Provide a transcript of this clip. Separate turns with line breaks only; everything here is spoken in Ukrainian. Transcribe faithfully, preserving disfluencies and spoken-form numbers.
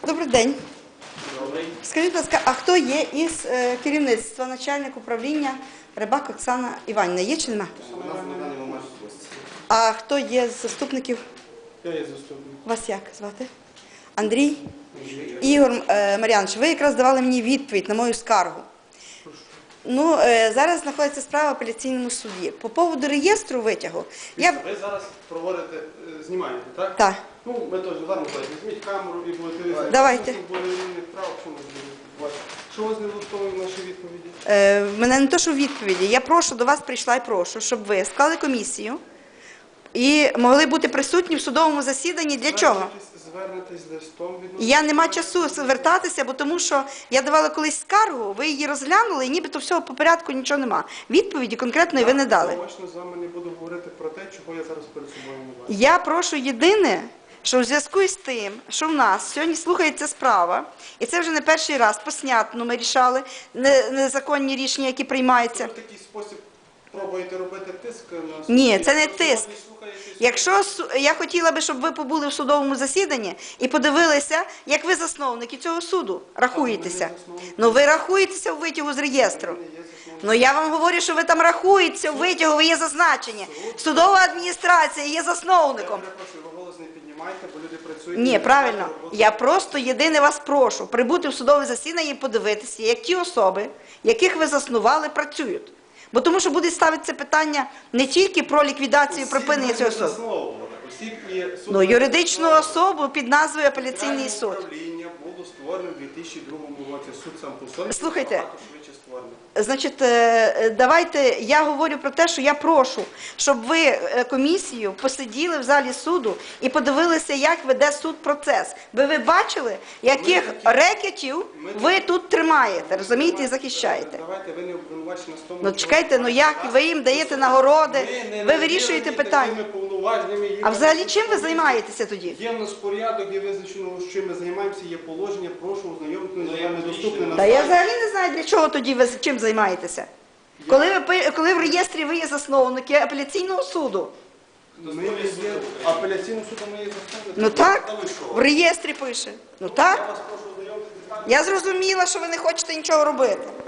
Добрий день.
Добрий.
Скажіть, будь ласка, а хто є із е, керівництва, начальник управління Рибак Оксана Іванівна? Є чи нема?
У нас на даний момент гості.
А хто є з заступників?
Я є заступник.
Вас як звати? Андрій? Ігор е, Мар'янович, ви якраз давали мені відповідь на мою скаргу. Ну, е, зараз знаходиться справа в апеляційному суді. По поводу реєстру витягу, я...
Ви зараз проводите, е, знімаєте, так?
Так.
Ну, ми теж зараз візьміть камеру і будете візити.
Давайте.
Що у вас не влаштовує в нашій відповіді?
Е, в мене не то, що в відповіді. Я прошу, до вас прийшла і прошу, щоб ви склали комісію і могли бути присутні в судовому засіданні. Для чого?
Звернетесь з листом від...
Я не маю часу звертатися, бо тому що я давала колись скаргу, ви її розглянули, і нібито всього по порядку нічого нема. Відповіді конкретної ви не дали.
Я точно з вами не буду говорити про те, чого я зараз перед собою не бачу.
Я прошу єдине, що в зв'язку з тим, що в нас сьогодні слухається справа, і це вже не перший раз, по снятну ми рішали, незаконні рішення, які приймаються.
Ви в такий спосіб пробуєте робити тиск на суд?
Ні, це не
Просто
тиск.
не слухаєтесь?
Якщо су- я хотіла би, щоб ви побули в судовому засіданні і подивилися, як ви засновники цього суду рахуєтеся. Ну ви рахуєтеся у витягу з реєстру. Ну я вам говорю, що ви там рахуєтеся у витягу, ви є зазначені. Судова адміністрація є
Я
засновником.
перепрошую, ви голос не піднімайте, бо люди працюють.
Ні,
не
правильно.
знають роботу.
Я просто єдине вас прошу прибути в судове засідання і подивитися, як ті особи, яких ви заснували, працюють. Бо тому що буде ставитися питання не тільки про ліквідацію і припинення цього суду.
Засновували. Осіб і суд-
Ну, юридичну особу під назвою апеляційний суд.
Управління було створено в дві тисячі другому році. Суд сам по собі
Слухайте.
набагато швидше створений.
Значить, е, давайте, я говорю про те, що я прошу, щоб ви е, комісію посиділи в залі суду і подивилися, як веде суд процес. Би ви бачили, яких рекетів ви тут тримаєте, розумієте, і захищаєте.
Давайте, ви не обвинувачені в тому,
Ну
що-
чекайте, ну як ви їм даєте нагороди,
не
ви вирішуєте
наділені
питання.
такими повноваженнями, є
А взагалі
якісь
чим ви
повинні-
займаєтеся тоді?
Є в нас порядок, є визначено, з чим ми займаємося, є положення, прошу ознайомитися, з вами доступне на
Та я
сайті.
взагалі не знаю, для чого тоді ви чим займаєтеся. Коли ви пи- коли в реєстрі ви є засновники апеляційного суду.
Ми є апеляційним судом, ми є засновники.
Ну так,
Та ви що?
в реєстрі пише. Ну
Я
так.
вас прошу ознайомитися з
Я зрозуміла, що ви не хочете нічого робити.